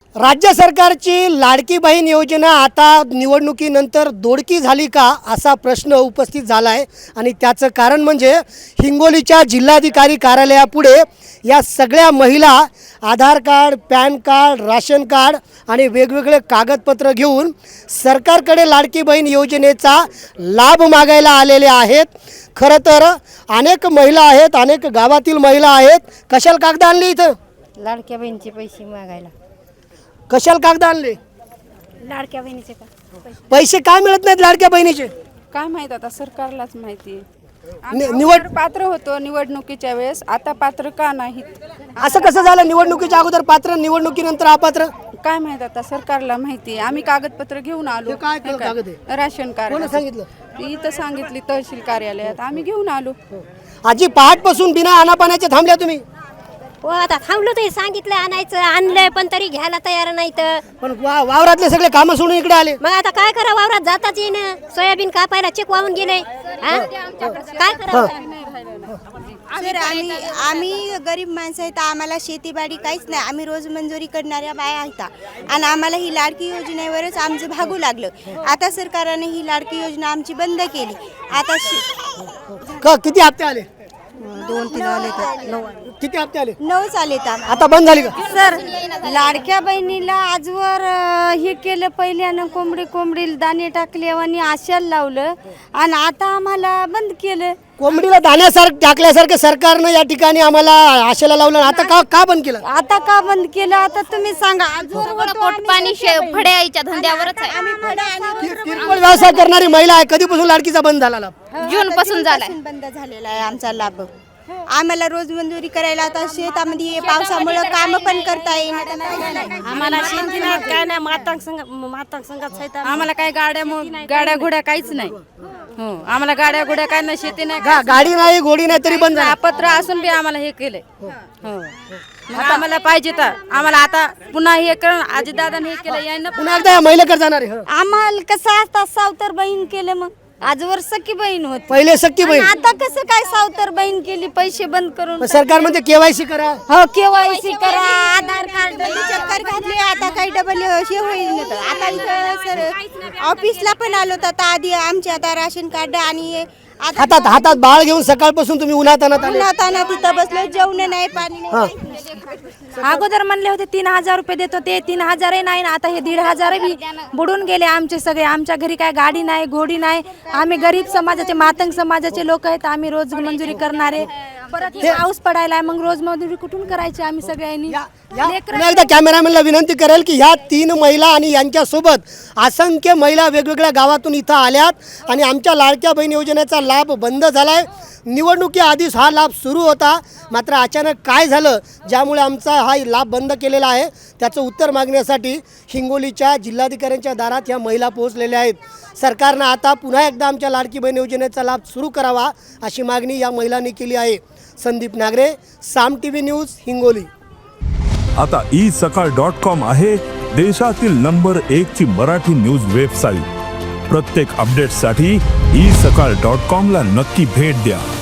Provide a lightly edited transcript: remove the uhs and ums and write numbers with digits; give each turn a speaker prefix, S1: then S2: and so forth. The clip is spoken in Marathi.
S1: राज्य सरकारची लाडकी बहीण योजना आता निवडणुकीनंतर दोडकी झाली का असा प्रश्न उपस्थित झाला आहे आणि त्याचं कारण म्हणजे हिंगोलीच्या जिल्हाधिकारी कार्यालयापुढे या सगळ्या महिला Aadhaar card, PAN card, ration card आणि वेगवेगळे कागदपत्र घेऊन सरकारकडे लाडकी बहीण योजनेचा लाभ मागायला आलेले आहेत। खरं तर अनेक महिला आहेत, अनेक गावातील महिला आहेत। कशाला कागद आणली इथं?
S2: लाडक्या बहिणीचे पैसे मागायला।
S1: कशाला कागद आणले?
S2: लाडक्या बहिणीचे का
S1: पैसे काय मिळत नाहीत लाडक्या बहिणीचे?
S3: काय माहित, आता सरकारलाच माहिती।
S1: निवड
S3: पात्र होतो निवडणुकीच्या वेळेस, आता पात्र का नाहीत?
S1: असं कसं झालं? निवडणुकीच्या अगोदर पात्र, निवडणुकीनंतर अपात्र?
S3: काय माहित, आता सरकारला माहिती। आम्ही कागदपत्र घेऊन आलो।
S1: हे काय कागद आहे?
S3: राशन कार्ड
S1: कोणी सांगितलं?
S3: इथं सांगितली तहसील कार्यालयात, आम्ही घेऊन आलो।
S1: आजी पहाटपासून बिना अनापाण्याचे थांबल्या तुम्ही?
S2: हो, आता थांबलो ते सांगितलं आणायचं, आणलंय पण तरी घ्यायला तयार नाही तर
S1: पण वावरातले सगळे कामं सोडून इकडे आले।
S2: मग आता काय करा, वावरात जाताच येईन। सोयाबीन कापायला चेक वाहून गेले, काय करा?
S4: सर, आम्ही गरीब माणसं आहेत, आम्हाला शेतीबाडी काहीच नाही। आम्ही रोज मंजुरी करणाऱ्या बाया आहेत आणि आम्हाला ही लाडकी योजनेवरच आमचं भागू लागलं। आता सरकारने ही लाडकी योजना आमची बंद केली। आता
S1: किती हप्ते आले?
S4: 2-3 आले तर 9
S1: किती हप्ते आले?
S4: 9 आले तर
S1: आता बंद झाली का?
S5: सर, लाडक्या बहिणीला आजवर हे केलं, पहिल्यानं कोंबडी दाणे टाकले आणि आशाला लावलं आणि आता आम्हाला बंद केलं।
S1: कोंबडीला दाण्यासारखं टाकल्यासारखं सरकारनं या ठिकाणी आम्हाला आशेला लावलं। आता का बंद केलं?
S5: आता का बंद केलं आता तुम्ही सांगा। आजवर
S6: पोटपाणी फड्याच्या धंद्यावरच आहे।
S1: किरकोळ व्यवसाय करणारी महिला आहे, कधीपासून लाडकीचा बंद झाला लाभ?
S6: जून पासून झालाय।
S4: बंद झालेला आहे आमचा लाभ। आम्हाला रोज मंजुरी करायला आता शेतामध्ये पावसामुळे काम पण करता येईल।
S5: आम्हाला शेती नाही, काय नाही, मातांग संघात
S3: आम्हाला काय गाड्या घोड्या काहीच नाही। हो, आम्हाला गाड्या घोड्या काय नाही, शेती नाही,
S1: गाडी नाही, घोडी नाही, तरी बंद झाला।
S3: पत्र असून बी आम्हाला हे केलंय। हो, मग आम्हाला पाहिजे तर आम्हाला आता पुन्हा हे करून आजीदादाने हे केलं, यानं
S1: पुन्हा एकदा या महिलेकडे जाणार आहे।
S5: आम्हाला कसं आता सावतर बहीण केलं, मग आजवर सखी बहीण होती,
S1: पहिले सख्खी बहीण,
S5: आता कसं काय सावतर बहीण केली, पैसे बंद करून।
S1: सरकार म्हणजे केवायसी करा,
S5: हो, केवायसी करा, आधार कार्ड
S4: चक्कर घातली, आता काही डबल हे होईल तर आता इथं सर ऑफिसला पण आलो तर आधी आमचे आता राशन कार्ड आणि
S1: हातात बाळ घेऊन सकाळपासून तुम्ही उन्हात
S4: उन्हाताना तिथं बसलो, जेवण नाही, पाणी नाही।
S5: अगोदर म्हणले होते 3000 रुपये देतो, ते 3000 नाही, आता हे 1500 बी बुडून गेले आमचे सगळे। आमच्या घरी काय गाडी नाही, घोडी नाही, आम्ही गरीब समाजाचे, मातंग समाजाचे लोक आहेत, आम्ही रोज मंजुरी करणारे। परत हे पाऊस पडायला, मग रोज मंजुरी कुठून करायची आम्ही सगळ्यांनी?
S1: पुन्हा एकदा कॅमेरामॅनला विनंती करेल की ह्या 3 महिला आणि यांच्यासोबत असंख्य महिला वेगवेगळ्या गावातून इथं आल्यात आणि आमच्या लाडक्या बहीण योजनेचा लाभ बंद झालाय। निवडणुकीआधीच हा लाभ सुरू होता, मात्र अचानक काय झालं ज्यामुळे आमचा हा लाभ बंद केलेला आहे त्याचं उत्तर मागण्यासाठी हिंगोलीच्या जिल्हाधिकाऱ्यांच्या दारात ह्या महिला पोहोचलेल्या आहेत। सरकारनं आता पुन्हा एकदा आमच्या लाडकी बहीण योजनेचा लाभ सुरू करावा अशी मागणी या महिलांनी केली आहे। Sandeep Nagare, Saam TV news, Hingoli.
S7: आता isakal.com आहे देशातील नंबर 1 ची मराठी न्यूज वेबसाईट। प्रत्येक अपडेटसाठी isakal.com ला नक्की भेट द्या।